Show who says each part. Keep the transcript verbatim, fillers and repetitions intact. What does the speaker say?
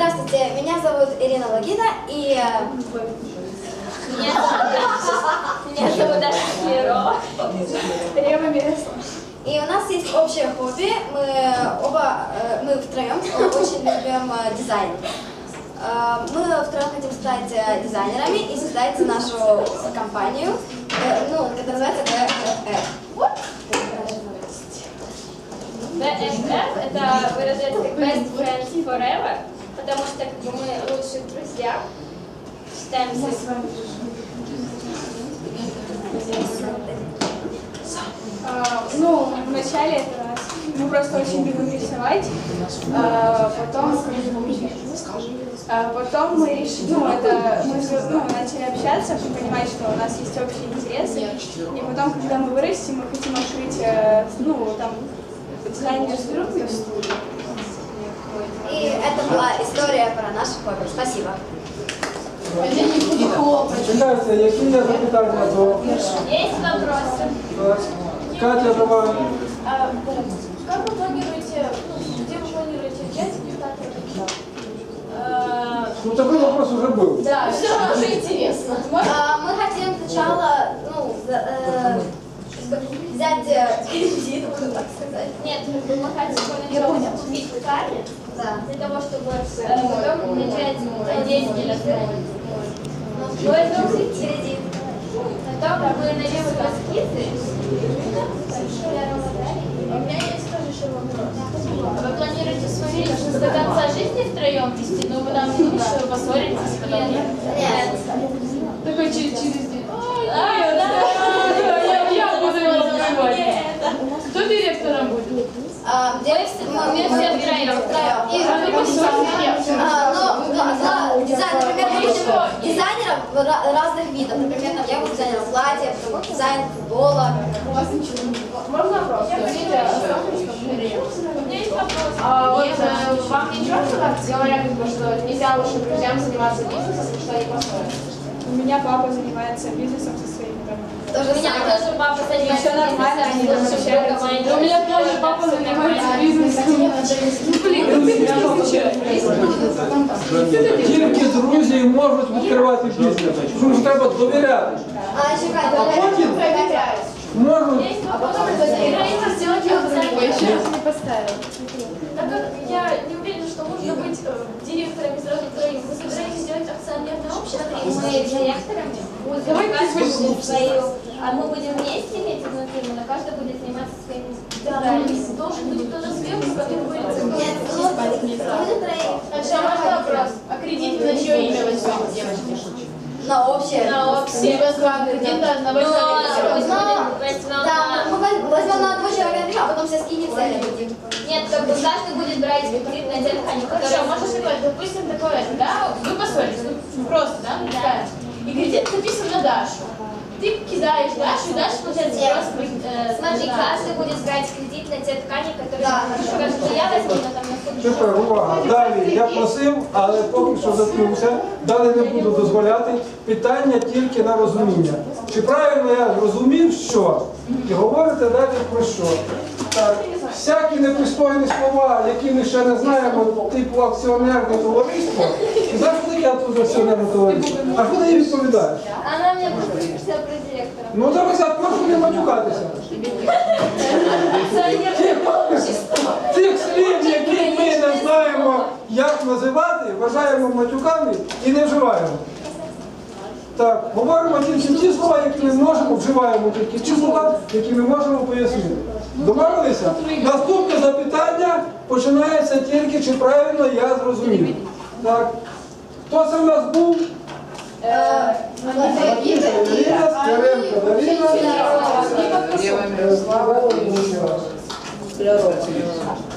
Speaker 1: Здравствуйте, меня зовут Ирина Логина, и
Speaker 2: меня зовут Даша Клерова.
Speaker 3: Рева Место.
Speaker 1: И у нас есть общее хобби. Мы оба, мы втроем очень любим дизайн. Мы втроем хотим стать дизайнерами и создать нашу компанию, ну, которая называется би эф эф.
Speaker 2: би эф эф это выражается как Best Friends Forever, потому что как бы мы лучшие друзья. Считаемся.
Speaker 3: А, ну, вначале это раз. Мы просто очень любим рисовать. А, потом, а, потом мы решили, ну, это, мы ну, начали общаться, понимать, что у нас есть общие интересы. И потом, когда мы вырастем, мы хотим открыть, ну, там, дизайнерскую студию.
Speaker 1: И это была история про наше хобби. Спасибо.
Speaker 4: Чекайте, які є запитання до...
Speaker 2: Есть вопросы?
Speaker 4: Катя, давай.
Speaker 5: А, как вы планируете, ну, где вы планируете взять результаты?
Speaker 4: Ну, такой вопрос уже был.
Speaker 5: Да, все равно уже интересно.
Speaker 1: Мы хотим сначала, ну, взять кредит, можно так сказать.
Speaker 2: Нет, мы хотим поначалу купить ткани, для того, чтобы потом начать деятельность. Мы возьмем кредит, потом мы найдем эскизы.
Speaker 5: У меня есть тоже еще вопрос.
Speaker 2: Вы планируете свою жизнь до конца жизни втроем вести? Ну, вы нам лучше поссоритесь, потом нет?
Speaker 1: Нет.
Speaker 5: Такой через через день.
Speaker 2: А, да,
Speaker 5: Я буду его забывать. Кто директором будет?
Speaker 1: Мы все втроем. Но дизайн, например, мы будем дизайнеров разных видов. Например, я буду дизайнером платья, дизайн футбола.
Speaker 5: Можно вопрос?
Speaker 2: У меня есть вопрос.
Speaker 5: А вот вам не чёрно, как говорят, что нельзя лучше друзьям заниматься бизнесом, что они поссорятся?
Speaker 3: У меня папа занимается бизнесом со своими родными.
Speaker 1: То же
Speaker 2: У меня
Speaker 1: самое.
Speaker 2: тоже папа занимается
Speaker 3: Всё нормально, они там общаются.
Speaker 5: У меня тоже папа занимается бизнесом.
Speaker 4: Тільки друзі можуть відкривати бізнес. Тому що треба довіряти.
Speaker 1: А, чекай,
Speaker 4: А потім можуть...
Speaker 5: А потом это сделать его другой. Еще раз не поставил.
Speaker 6: Так как я не уверена, что нужно быть э, директорами сразу троим, вы собираетесь сделать акционерное общество?
Speaker 2: Мы директорами будем каждый свою, а мы будем вместе иметь одну фирму, но каждый будет заниматься своими
Speaker 6: Да, должен быть кто-то сверху, который будет
Speaker 1: Нет, ну, мы троим.
Speaker 5: Хорошо, можно вопрос? А кредит на чье имя возьмем, девочки?
Speaker 1: На общее.
Speaker 2: на общее.
Speaker 5: Все возьмем кредит на одного
Speaker 2: Но
Speaker 5: человека.
Speaker 2: возьмем
Speaker 1: Да,
Speaker 2: на...
Speaker 1: мы возьмем на одного человека, а потом все скинемся и будем.
Speaker 2: Нет, как бы каждый будет брать кредит на те ткани,
Speaker 5: Хорошо,
Speaker 2: которые...
Speaker 5: можно сказать, допустим, такое, да, вы поссорились, ну, просто, да, представь. И кредит записан на Дашу. Ты кидаешь Дашу, и Даша, получается,
Speaker 1: Нет.
Speaker 5: просто... э,
Speaker 2: Смотри,
Speaker 5: да.
Speaker 2: каждый будет брать кредит на те ткани, которые...
Speaker 1: Да,
Speaker 2: Скажем, что я возьму, но там на
Speaker 4: Тепер увага. Далі я просив, але поки що заткнувся. Далі не буду дозволяти. Питання тільки на розуміння. Чи правильно я зрозумів, що? І говорите далі про що? Так, всякі непристойні слова, які ми ще не знаємо, типу акціонерне товариство. І знаєш, куди я тут акціонерне товариство? А куди їй відповідаєш?
Speaker 2: Она мне просто спросила про директора.
Speaker 4: Ну зараз я прошу не матюкатися. Тих слів, які ми не знаємо, як називати, вважаємо матюками і не вживаємо. Так, говоримо тільки ті слова, які ми можемо, вживаємо тільки ті слова, які ми можемо пояснити. Домовилися? Наступне запитання починається тільки, чи правильно я зрозумів. Так. Хто це в нас був? Ірина, Скоренко, Дарина.